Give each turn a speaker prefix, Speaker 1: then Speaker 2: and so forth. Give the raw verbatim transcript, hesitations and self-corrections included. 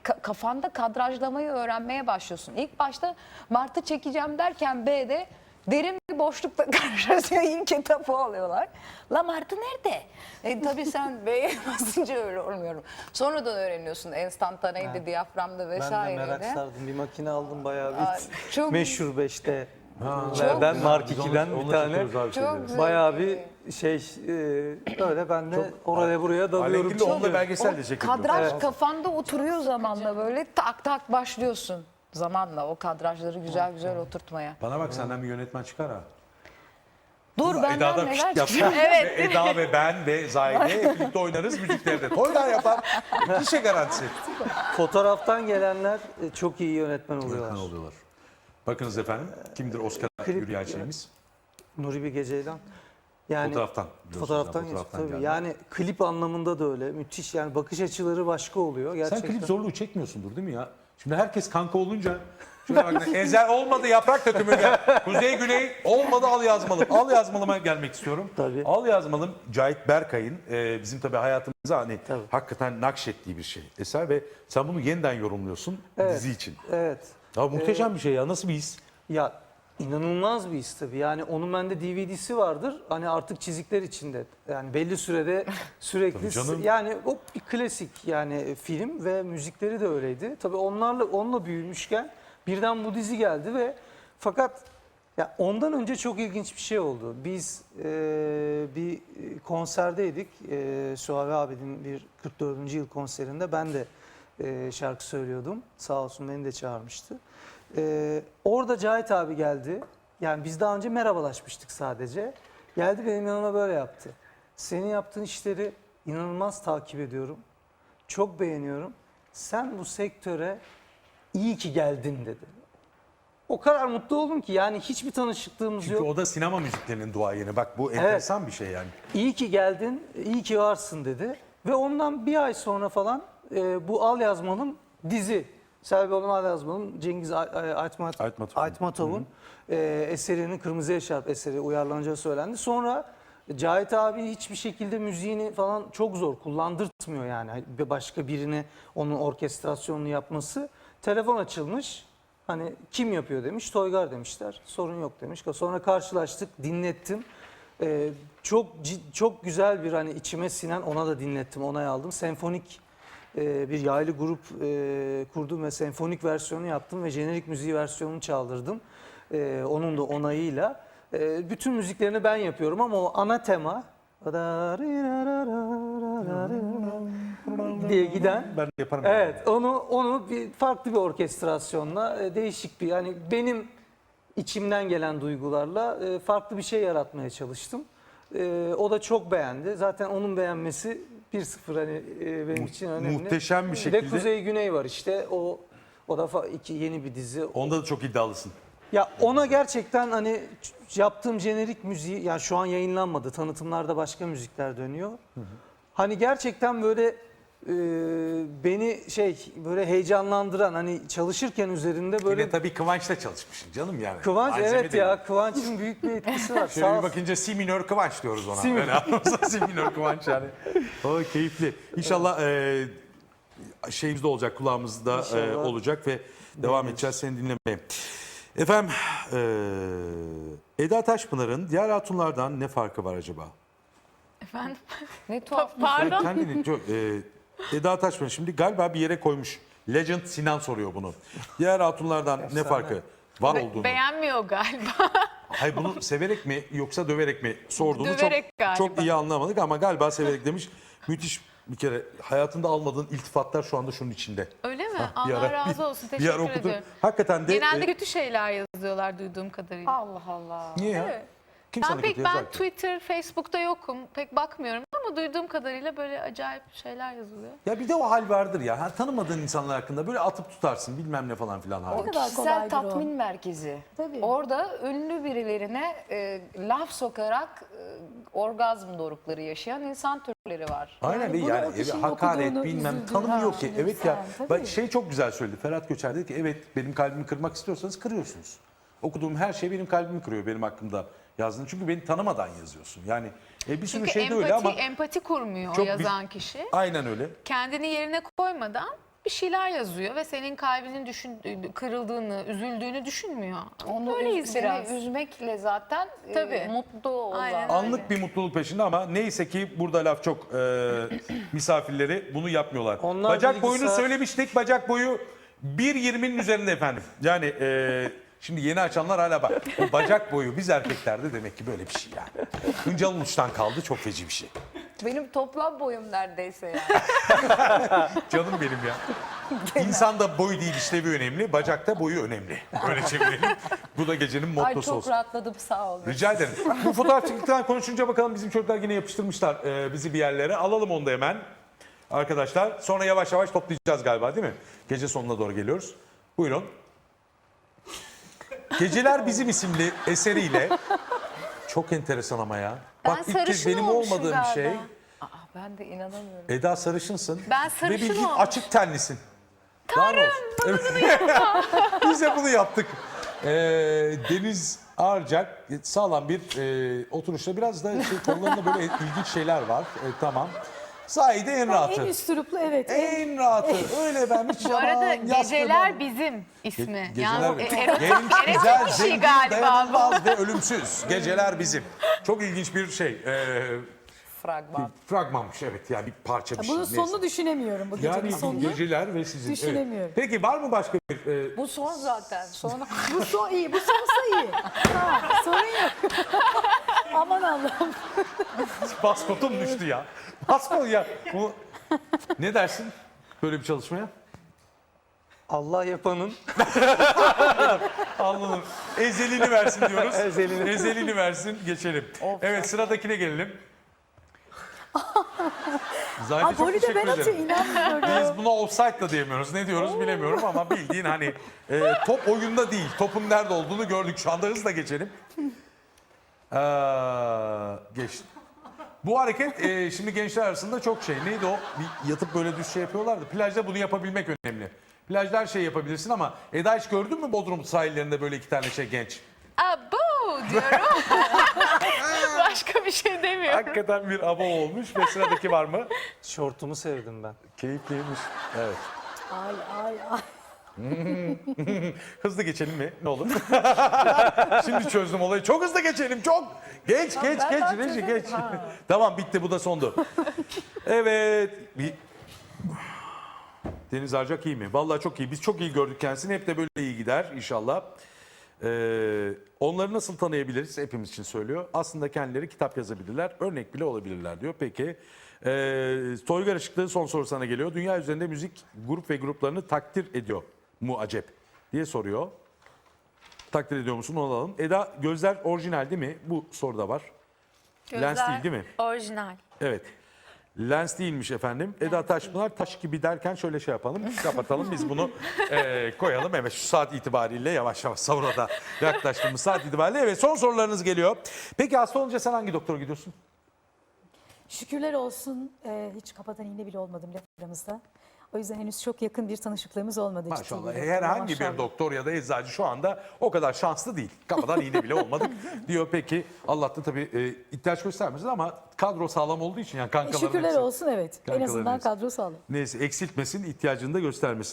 Speaker 1: ka kafanda kadrajlamayı öğrenmeye başlıyorsun. İlk başta Mart'ı çekeceğim derken B'de derin bir boşlukla karşılaşıyor. İlk etapı alıyorlar. La Martı nerede? E, tabii sen B'ye basınca öyle olmuyorum. Sonradan öğreniyorsun. Enstantaneydi,
Speaker 2: Evet.
Speaker 1: diyaframda
Speaker 2: Ben de
Speaker 1: vesaireydi.
Speaker 2: merak sardım. Bir makine aldım bayağı
Speaker 1: Aa,
Speaker 2: bir.
Speaker 1: çok-
Speaker 2: Meşhur beşte.
Speaker 1: Çok
Speaker 2: ben
Speaker 1: güzel.
Speaker 2: Mark
Speaker 3: Biz onu-
Speaker 2: ikiden bir
Speaker 3: onunla
Speaker 2: tane.
Speaker 3: çekiyoruz abi
Speaker 1: Çok
Speaker 3: şeyleri.
Speaker 1: güzel.
Speaker 2: Bayağı bir şey e, öyle ben de oraya buraya dalıyorum.
Speaker 3: Alengirli onunla
Speaker 2: çıkıyorum.
Speaker 3: belgesel de
Speaker 1: O
Speaker 3: çekildi.
Speaker 1: kadraj
Speaker 2: Evet.
Speaker 1: kafanda oturuyor zamanla böyle tak tak başlıyorsun. Zamanla o kadrajları güzel güzel oturtmaya.
Speaker 3: Bana bak senden bir yönetmen çıkar ha.
Speaker 1: Dur benden
Speaker 3: Eda'da
Speaker 1: neler
Speaker 3: fişt yapar.
Speaker 1: çıkıyor.
Speaker 3: Evet. Ve Eda ve ben ve Zahide hep birlikte oynarız müziklerde. Toylar yapar. Kişi garantisi.
Speaker 2: Fotoğraftan gelenler e, çok iyi yönetmen oluyorlar.
Speaker 3: Yönetmen oluyorlar. Bakınız efendim kimdir Oscar
Speaker 2: Klip-
Speaker 3: yürüyen şeyimiz?
Speaker 2: Nuri Bilge Ceylan. Yani
Speaker 3: Fotoğraftan. biliyorsunuz
Speaker 2: Fotoğraftan,
Speaker 3: yani,
Speaker 2: geçti tabii.
Speaker 3: geldi.
Speaker 2: Yani klip anlamında da öyle. Müthiş yani bakış açıları başka oluyor
Speaker 3: Sen
Speaker 2: gerçekten.
Speaker 3: klip zorluğu çekmiyorsundur değil mi ya? Şimdi herkes kanka olunca şuna bak, Ezel olmadı yaprak dökümü gel. Kuzey Güney olmadı al yazmalım. Al yazmalıma gelmek istiyorum.
Speaker 2: Tabii.
Speaker 3: Al yazmalım Cahit Berkay'ın e, bizim tabii hayatımıza hani
Speaker 2: Tabii.
Speaker 3: hakikaten nakşettiği bir şey eser ve sen bunu yeniden yorumluyorsun
Speaker 2: Evet.
Speaker 3: dizi için.
Speaker 2: Evet.
Speaker 3: Ya muhteşem bir şey ya, nasıl bir his?
Speaker 2: Ya inanılmaz bir his tabii. Yani onun bende D V D'si vardır. Hani artık çizikler içinde. Yani belli sürede sürekli
Speaker 3: Tabii canım.
Speaker 2: yani o bir klasik yani film ve müzikleri de öyleydi. Tabii onlarla onunla büyümüşken birden bu dizi geldi ve fakat ya ondan önce çok ilginç bir şey oldu. Biz e, bir konserdeydik. E, Suavi abinin bir kırk dördüncü yıl konserinde ben de e, şarkı söylüyordum. Sağ olsun beni de çağırmıştı. Ee, orada Cahit abi geldi. Yani biz daha önce merhabalaşmıştık sadece. Geldi benim yanıma böyle yaptı. Senin yaptığın işleri inanılmaz takip ediyorum. Çok beğeniyorum. Sen bu sektöre iyi ki geldin dedi. O kadar mutlu oldum ki yani hiçbir tanışıklığımız
Speaker 3: Çünkü
Speaker 2: yok.
Speaker 3: o da sinema müziklerinin duayeni. Bak bu enteresan bir şey yani.
Speaker 2: İyi ki geldin, iyi ki varsın dedi. Ve ondan bir ay sonra falan e, bu Al Yazmalım dizi. Selvi Al Yazmalım, Cengiz Ay- Ay- Aytmat,
Speaker 3: Aytmatov.
Speaker 2: Aytmatov'un e, eserinin Kırmızı Eşarp eseri uyarlanacağı söylendi. Sonra Cahit abi hiçbir şekilde müziğini falan çok zor kullandırtmıyor yani. Bir başka birine onun orkestrasyonunu yapması. Telefon açılmış. Hani kim yapıyor demiş. Toygar demişler. Sorun yok demiş. Sonra karşılaştık, dinlettim. Ee, çok cid- çok güzel bir hani içime sinen ona da dinlettim, onay aldım. Senfonik e, bir yaylı grup e, kurdum ve senfonik versiyonu yaptım ve jenerik müziği versiyonunu çaldırdım. E, onun da onayıyla. E, bütün müziklerini ben yapıyorum ama o ana tema diye giden.
Speaker 3: Ben yaparım.
Speaker 2: Evet, onu onu bir farklı bir orkestrasyonla e, değişik bir yani benim içimden gelen duygularla e, farklı bir şey yaratmaya çalıştım. E, o da çok beğendi. Zaten onun beğenmesi bir sıfır hani e, benim
Speaker 3: Mu-
Speaker 2: için önemli.
Speaker 3: muhteşem bir
Speaker 2: Bir
Speaker 3: şekilde-
Speaker 2: de Kuzey Güney var işte. O o da fa- iki yeni bir dizi.
Speaker 3: Onda da çok iddialısın.
Speaker 2: Ya ona gerçekten hani ç- yaptığım jenerik müziği yani şu an yayınlanmadı. Tanıtımlarda başka müzikler dönüyor. Hani gerçekten böyle e, beni şey böyle heyecanlandıran hani çalışırken üzerinde böyle
Speaker 3: Yine tabii Kıvanç'la çalışmışsın canım yani.
Speaker 2: Kıvanç
Speaker 3: Malzeme
Speaker 2: evet
Speaker 3: değil.
Speaker 2: ya Kıvanç'ın büyük bir etkisi var.
Speaker 3: Şöyle
Speaker 2: Sağ
Speaker 3: bir
Speaker 2: olsun.
Speaker 3: bakınca si minör Kıvanç diyoruz ona.
Speaker 2: Si minör.
Speaker 3: Öyle anlamsa si minör Kıvanç yani. O keyifli. İnşallah e, şeyimizde olacak, kulağımızda e,
Speaker 2: İnşallah.
Speaker 3: olacak ve devam edeceğiz seni dinlemeye. Efendim e, Eda Taşpınar'ın diğer hatunlardan ne farkı var acaba?
Speaker 4: Efendim?
Speaker 1: Ne tuhaf.
Speaker 4: Pardon.
Speaker 3: Kendini çok, e, Eda Taşpınar şimdi galiba bir yere koymuş. Legend Sinan soruyor bunu. Diğer hatunlardan ne farkı var olduğunu.
Speaker 4: Beğenmiyor galiba.
Speaker 3: Hayır bunu severek mi yoksa döverek mi sorduğunu
Speaker 4: Döverek
Speaker 3: çok
Speaker 4: galiba.
Speaker 3: çok iyi anlamadık ama galiba severek demiş. Müthiş bir kere hayatında almadığın iltifatlar şu anda şunun içinde.
Speaker 4: Öyle mi?
Speaker 3: Bir
Speaker 4: Allah
Speaker 3: ara-
Speaker 4: razı olsun.
Speaker 3: Bir
Speaker 4: Teşekkür
Speaker 3: ara okudum.
Speaker 4: ederim.
Speaker 3: Hakikaten de
Speaker 4: Genelde
Speaker 3: e,
Speaker 4: kötü şeyler yazıyorlar duyduğum kadarıyla.
Speaker 1: Allah Allah.
Speaker 3: niye ya?
Speaker 4: Evet.
Speaker 3: Kim
Speaker 4: Ben
Speaker 3: sana
Speaker 4: pek
Speaker 3: kötü
Speaker 4: ben
Speaker 3: yazar ki?
Speaker 4: Twitter, Facebook'ta yokum. Pek bakmıyorum ama duyduğum kadarıyla böyle acayip şeyler yazılıyor.
Speaker 3: Ya bir de o hal vardır ya. Ha, tanımadığın insanlar hakkında böyle atıp tutarsın bilmem ne falan filan. hali.
Speaker 1: Kişisel
Speaker 5: kolaydır
Speaker 1: tatmin merkezi.
Speaker 5: Tabii.
Speaker 1: Orada ünlü birilerine e, laf sokarak e, orgazm dorukları yaşayan insan türleri var.
Speaker 3: Aynen
Speaker 5: Yani
Speaker 3: ve
Speaker 5: bunu
Speaker 3: yani
Speaker 5: o kişinin
Speaker 3: hakaret
Speaker 5: okuduğunu,
Speaker 3: bilmem
Speaker 5: üzüldüğünü
Speaker 3: tanımıyor ki.
Speaker 5: düşünürsen,
Speaker 3: Evet ya
Speaker 5: tabii.
Speaker 3: bak şey çok güzel söyledi. Ferhat Göçer dedi ki evet benim kalbimi kırmak istiyorsanız kırıyorsunuz. Okuduğum her şey benim kalbimi kırıyor benim hakkımda yazdığın. Çünkü beni tanımadan yazıyorsun. Yani e, bir sürü
Speaker 4: Çünkü
Speaker 3: şey de
Speaker 4: empati,
Speaker 3: öyle ama
Speaker 4: empati kurmuyor
Speaker 3: çok
Speaker 4: o yazan kişi.
Speaker 3: aynen öyle.
Speaker 4: Kendini yerine koymadan bir şeyler yazıyor ve senin kalbinin düşün, kırıldığını, üzüldüğünü düşünmüyor.
Speaker 1: Onu
Speaker 4: Öyleyiz
Speaker 1: üz- seni
Speaker 4: biraz.
Speaker 1: üzmekle zaten e,
Speaker 4: Tabii.
Speaker 1: mutlu o
Speaker 4: Aynen
Speaker 1: zaten.
Speaker 4: öyle.
Speaker 3: Anlık bir mutluluk peşinde ama neyse ki burada laf çok e, misafirleri bunu yapmıyorlar.
Speaker 2: Onlar
Speaker 3: bacak
Speaker 2: bilgisayar-
Speaker 3: boyunu söylemiştik. Bacak boyu bir yirminin üzerinde efendim. Yani e, şimdi yeni açanlar hala bak. O bacak boyu biz erkeklerde demek ki böyle bir şey yani. Hıncal uçtan kaldı, çok feci bir şey.
Speaker 1: Benim toplam boyum neredeyse yani.
Speaker 3: Canım benim ya. İnsanda boy değil işlevi önemli, bacakta boyu önemli. Öyle çevirelim. Bu da gecenin
Speaker 1: Ay
Speaker 3: mottosu
Speaker 1: çok
Speaker 3: olsun.
Speaker 1: rahatladım, sağ olun.
Speaker 3: Rica ederim. Bu fotoğrafçılıktan konuşunca bakalım bizim çocuklar yine yapıştırmışlar e, bizi bir yerlere. Alalım onu da hemen arkadaşlar. Sonra yavaş yavaş toplayacağız galiba değil mi? Gece sonuna doğru geliyoruz. Buyurun. Geceler Bizim isimli eseriyle çok enteresan ama ya.
Speaker 4: Ben
Speaker 3: Bak ilk kez
Speaker 4: sarışın
Speaker 3: benim
Speaker 4: olmuşum
Speaker 3: olmadığım
Speaker 4: galiba.
Speaker 3: şey.
Speaker 1: Aa, ben de inanamıyorum.
Speaker 3: Eda sarışınsın.
Speaker 4: Ben
Speaker 3: Ve
Speaker 4: sarışın
Speaker 3: bildiğin
Speaker 4: olmuş.
Speaker 3: açık tenlisin. Tanrım bana bunu Biz de bunu yaptık. Ee, Deniz Arcak sağlam bir e, oturuşta biraz da şey, konularında böyle ilginç şeyler var. E, tamam. Sahide en rahatı.
Speaker 5: En üstüruplu evet. En,
Speaker 3: En rahatı. Öyle ben hiç
Speaker 4: Bu arada
Speaker 3: yalan, yastığım
Speaker 4: Geceler
Speaker 3: olmadı.
Speaker 4: Bizim ismi.
Speaker 3: Ge- Geceler
Speaker 4: yani
Speaker 3: Bizim.
Speaker 4: e- erotik,
Speaker 3: Genç,
Speaker 4: erotik
Speaker 3: güzel,
Speaker 4: bir şey
Speaker 3: zengin,
Speaker 4: galiba bu.
Speaker 3: dayanılmaz ve ölümsüz. Geceler Bizim. Çok ilginç bir şey. Ee,
Speaker 1: Fragman.
Speaker 3: fragmanmış evet yani bir parça bir şey.
Speaker 5: bunun
Speaker 3: neyse.
Speaker 5: sonunu düşünemiyorum bu gecenin
Speaker 3: Yani
Speaker 5: sonunu.
Speaker 3: geceler ve sizin.
Speaker 5: Düşünemiyorum.
Speaker 3: Evet. Peki var mı başka bir e,
Speaker 1: Bu son zaten. Sonra
Speaker 5: Bu son iyi, bu sonsa iyi. Tamam, sorun yok. Aman Allah'ım.
Speaker 3: Baskotum düştü ya. Baskot ya. Bu... Ne dersin böyle bir çalışmaya?
Speaker 2: Allah yapanın
Speaker 3: Allah'ım ezelini versin diyoruz.
Speaker 2: Ezelini.
Speaker 3: Ezelini versin geçelim. Evet sıradakine gelelim. Zahide
Speaker 5: Aa,
Speaker 3: çok
Speaker 5: golü de
Speaker 3: teşekkür
Speaker 5: ben atıyor,
Speaker 3: ederim.
Speaker 5: inanmıyorum.
Speaker 3: Biz buna offside da diyemiyoruz. Ne diyoruz bilemiyorum ama bildiğin hani e, top oyunda değil. Topun nerede olduğunu gördük. Şu anda hızla geçelim. Ee, geçti. Bu hareket e, şimdi gençler arasında çok şey. Neydi o? Bir yatıp böyle düz şey yapıyorlardı. Plajda bunu yapabilmek önemli. Plajda her şeyi yapabilirsin ama Eda hiç gördün mü Bodrum sahillerinde böyle iki tane şey genç?
Speaker 4: Abo diyorum. Başka bir şey demiyorum.
Speaker 3: Hakikaten bir abo olmuş ve sıradaki var mı?
Speaker 2: şortumu sevdim ben.
Speaker 3: Keyifliymiş. Evet.
Speaker 5: Ay ay ay.
Speaker 3: Hızlı geçelim mi? Ne olur? Şimdi çözdüm olayı. Çok hızlı geçelim. Çok. Geç, geç,
Speaker 1: ben
Speaker 3: geç.
Speaker 1: daha
Speaker 3: Reji,
Speaker 1: çözemedim.
Speaker 3: geç. Tamam bitti. Bu da sondu. Evet. Bir... Deniz Arcak iyi mi? Vallahi çok iyi. Biz çok iyi gördük kendisini. Hep de böyle iyi gider inşallah. Ee, onları nasıl tanıyabiliriz? Hepimiz için söylüyor. Aslında kendileri kitap yazabilirler. Örnek bile olabilirler diyor. Peki. Ee, Toygar Işıklı son soru sana geliyor. Dünya üzerinde müzik grup ve gruplarını takdir ediyor mu acep diye soruyor. Takdir ediyor musun? Onu alalım. Eda gözler orijinal değil mi? Bu soruda var. Lens değil değil mi?
Speaker 6: Orijinal.
Speaker 3: Evet. Lens değilmiş efendim. Eda Taşpınar taş gibi derken şöyle şey yapalım. Kapatalım biz bunu e, koyalım. Evet şu saat itibariyle yavaş yavaş sahura da yaklaştığımız saat itibariyle. Evet son sorularınız geliyor. Peki hasta olunca sen hangi doktora gidiyorsun?
Speaker 5: Şükürler olsun e, hiç kapatan iğne bile olmadım laf aramızda. O yüzden henüz çok yakın bir tanışıklığımız olmadı. ciddi
Speaker 3: Maşallah.
Speaker 5: bir doktorla,
Speaker 3: Herhangi bir
Speaker 5: maşallah.
Speaker 3: doktor ya da eczacı şu anda o kadar şanslı değil. Kafadan iğne bile olmadık diyor. Peki Allah'tan tabii e, ihtiyaç göstermesin ama kadro sağlam olduğu için yani kankaların
Speaker 5: Şükürler
Speaker 3: hepsi-
Speaker 5: olsun evet. En
Speaker 3: Kankaların
Speaker 5: azından
Speaker 3: hepsi.
Speaker 5: kadro sağlam.
Speaker 3: Neyse eksiltmesin, ihtiyacını da göstermesin.